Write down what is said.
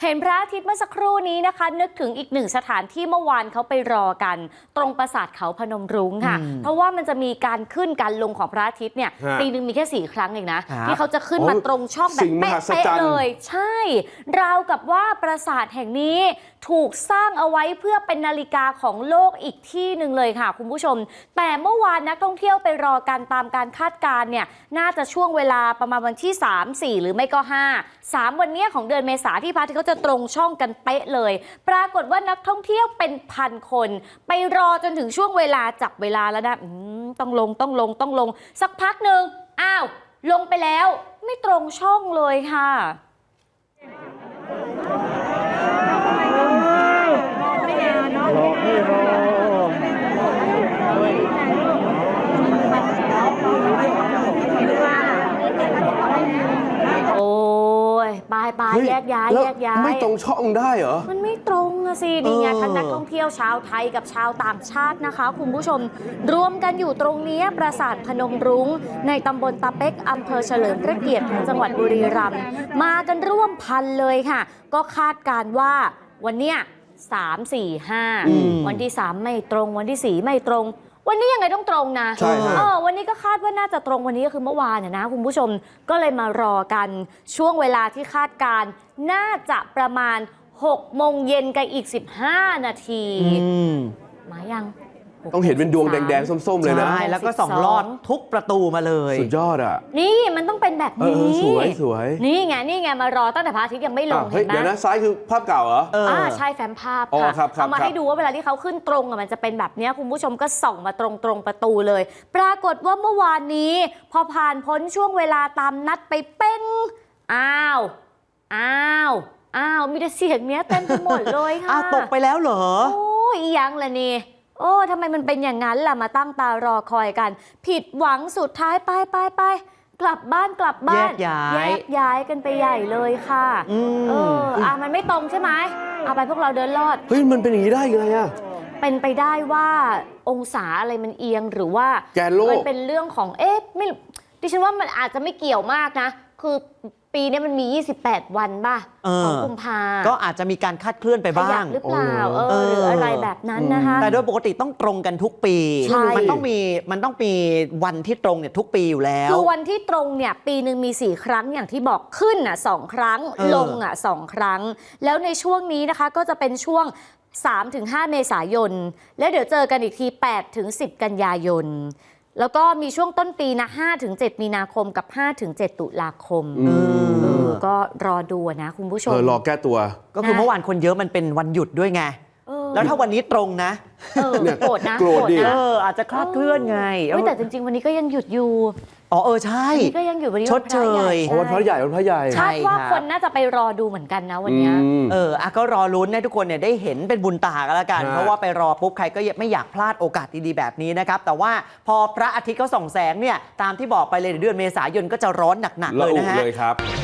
เห็นพระอาทิตย์เมื่อสักครู่นี้นะคะนึกถึงอีกหนึ่งสถานที่เมื่อวานเขาไปรอกันตรงปราสาทเขาพนมรุ้งค่ะเพราะว่ามันจะมีการขึ้นการลงของพระอาทิตย์เนี่ยปีนึงมีแค่4 ครั้งเองนะที่เขาจะขึ้นมาตรงช่องแบบเป๊ะๆเลยใช่ราวกับว่าปราสาทแห่งนี้ถูกสร้างเอาไว้เพื่อเป็นนาฬิกาของโลกอีกที่หนึ่งเลยค่ะคุณผู้ชมแต่เมื่อวานนักท่องเที่ยวไปรอกันตามการคาดการณ์เนี่ยน่าจะช่วงเวลาประมาณวันที่3 4หรือไม่ก็5 วันนี้ของเดือนเมษาที่พระอาทิตย์เขาจะตรงช่องกันเป๊ะเลยปรากฏว่านักท่องเที่ยวเป็นพันคนไปรอจนถึงช่วงเวลาจับเวลาแล้วนะต้องลงสักพักหนึ่งอ้าวลงไปแล้วไม่ตรงช่องเลยค่ะโอ้ยไปแยกย้ายไม่ตรงช่องได้เหรอมันไม่ตรงอะสินี่ไงทั้งนักท่องเที่ยวชาวไทยกับชาวต่างชาตินะคะคุณผู้ชมรวมกันอยู่ตรงนี้ปราสาทพนมรุ้งในตำบลตาเป๊กอำเภอเฉลิมพระเกียรติของจังหวัดบุรีรัมย์มากันร่วมพันเลยค่ะก็คาดการว่าวันเนี้ย3 4 5วันที่3ไม่ตรงวันที่4ไม่ตรงวันนี้ยังไงต้องตรงนะวันนี้ก็คาดว่าน่าจะตรงวันนี้ก็คือเมื่อวานนะคุณผู้ชมก็เลยมารอกันช่วงเวลาที่คาดการน่าจะประมาณ6 โมงเย็นกับอีก15 นาทีมายังต้องเห็นเป็นดวงแดงๆส้มๆเลยนะใช่แล้วก็ส่องลอดทุกประตูมาเลยสุดยอดอ่ะนี่มันต้องเป็นแบบนี้สวยนี่ไงมารอตั้งแต่พระอาทิตย์ยังไม่ลงเห็นไหมเดี๋ยวนะซ้ายคือภาพเก่าเหรอใช่แฟ้มภาพค่ะเอามาให้ดูว่าเวลาที่เขาขึ้นตรงมันจะเป็นแบบนี้คุณผู้ชมก็ส่องมาตรงประตูเลยปรากฏว่าเมื่อวานนี้พอผ่านพ้นช่วงเวลาตามนัดไปเป้งอ้าวมีแต่เสียงเนี้ยเต็มไปหมดเลยค่ะตกไปแล้วเหรอโอ้ยยังเลยนี่ทำไมมันเป็นอย่างนั้นล่ะมาตั้งตารอคอยกันผิดหวังสุดท้ายไปกลับบ้านแยกย้ายกันไปใหญ่เลยค่ะมันไม่ตรงใช่ไหมเอาไปพวกเราเดินลอดเฮ้ยมันเป็นอย่างนี้ได้ยังไงอะเป็นไปได้ว่าองศาอะไรมันเอียงหรือว่าแกนโลกมันเป็นเรื่องของไม่ดิฉันว่ามันอาจจะไม่เกี่ยวมากนะคือปีนี้มันมี28 วันป่ะของกุมภาก็อาจจะมีการคาดเคลื่อนไปบ้างหรือเปล่าหรืออะไรแบบนั้นนะคะแต่โดยปกติต้องตรงกันทุกปีมันต้องมีวันที่ตรงเนี่ยทุกปีอยู่แล้วคือวันที่ตรงเนี่ยปีนึงมี4 ครั้งอย่างที่บอกขึ้น2 ครั้งลง2 ครั้งแล้วในช่วงนี้นะคะก็จะเป็นช่วง3-5 เมษายนแล้วเดี๋ยวเจอกันอีกที8-10 กันยายนแล้วก็มีช่วงต้นปีนะ5-7 มีนาคมกับ5-7 ตุลาคมก็รอดูนะคุณผู้ชมรอแก้ตัวก็คือเมื่อวานคนเยอะมันเป็นวันหยุดด้วยไงแล้วถ้าวันนี้ตรงนะโกรธนะอาจจะคลาดเคลื่อนไงแต่จริงๆวันนี้ก็ยังหยุดอยู่ใช่ก็ยังอยู่วันนี้ชดเชยวันพระใหญ่คาดว่าคนน่าจะไปรอดูเหมือนกันนะวันนี้ก็รอลุ้นให้ทุกคนเนี่ยได้เห็นเป็นบุญตากันแล้วกันเพราะว่าไปรอปุ๊บใครก็ไม่อยากพลาดโอกาสดีๆแบบนี้นะครับแต่ว่าพอพระอาทิตย์เขาส่องแสงเนี่ยตามที่บอกไปเลยเดือนเมษายนก็จะร้อนหนักๆเลยนะฮะเลยครับ